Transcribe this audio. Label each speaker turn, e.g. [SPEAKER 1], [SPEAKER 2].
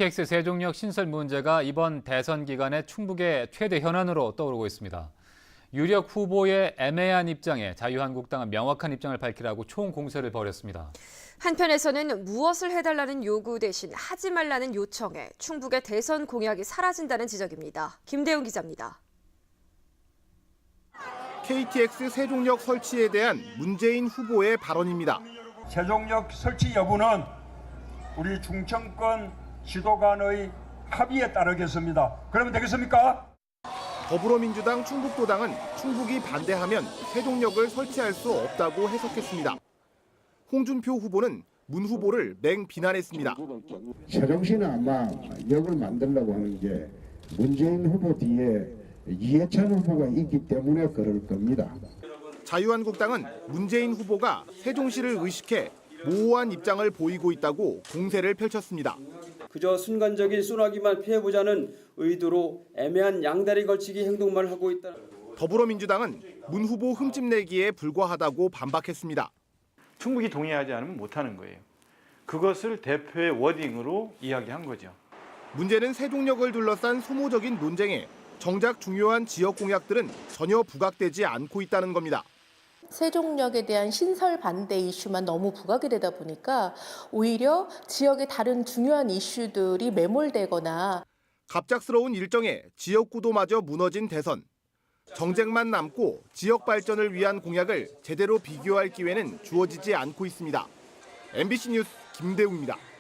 [SPEAKER 1] KTX 세종역 신설 문제가 이번 대선 기간의 충북의 최대 현안으로 떠오르고 있습니다. 유력 후보의 애매한 입장에 자유한국당은 명확한 입장을 밝히라고 총공세를 벌였습니다.
[SPEAKER 2] 한편에서는 무엇을 해달라는 요구 대신 하지 말라는 요청에 충북의 대선 공약이 사라진다는 지적입니다. 김대웅 기자입니다.
[SPEAKER 3] KTX 세종역 설치에 대한 문재인 후보의 발언입니다.
[SPEAKER 4] 세종역 설치 여부는 우리 중청권 지도 간의 합의에 따르겠습니다. 그러면 되겠습니까?
[SPEAKER 3] 더불어민주당 충북도당은 충북이 반대하면 세종역을 설치할 수 없다고 해석했습니다. 홍준표 후보는 문 후보를 맹비난했습니다.
[SPEAKER 5] 세종시는 아마 역을 만들려고 하는 게 문재인 후보 뒤에 이해찬 후보가 있기 때문에 그럴 겁니다.
[SPEAKER 3] 자유한국당은 문재인 후보가 세종시를 의식해 모호한 입장을 보이고 있다고 공세를 펼쳤습니다.
[SPEAKER 6] 그저 순간적인 쏘나기만 피해보자는 의도로 애매한 양다리 걸치기 행동만 하고 있다.
[SPEAKER 3] 더불어민주당은 문 후보 흠집내기에 불과하다고 반박했습니다.
[SPEAKER 7] 충분히 동의하지 않으면 못하는 거예요. 그것을 대표의 워딩으로 이야기한 거죠.
[SPEAKER 3] 문제는 세종역을 둘러싼 소모적인 논쟁에 정작 중요한 지역 공약들은 전혀 부각되지 않고 있다는 겁니다.
[SPEAKER 8] 세종역에 대한 신설 반대 이슈만 너무 부각이 되다 보니까 오히려 지역의 다른 중요한 이슈들이 매몰되거나
[SPEAKER 3] 갑작스러운 일정에 지역구도마저 무너진 대선. 정쟁만 남고 지역 발전을 위한 공약을 제대로 비교할 기회는 주어지지 않고 있습니다. MBC 뉴스 김대웅입니다.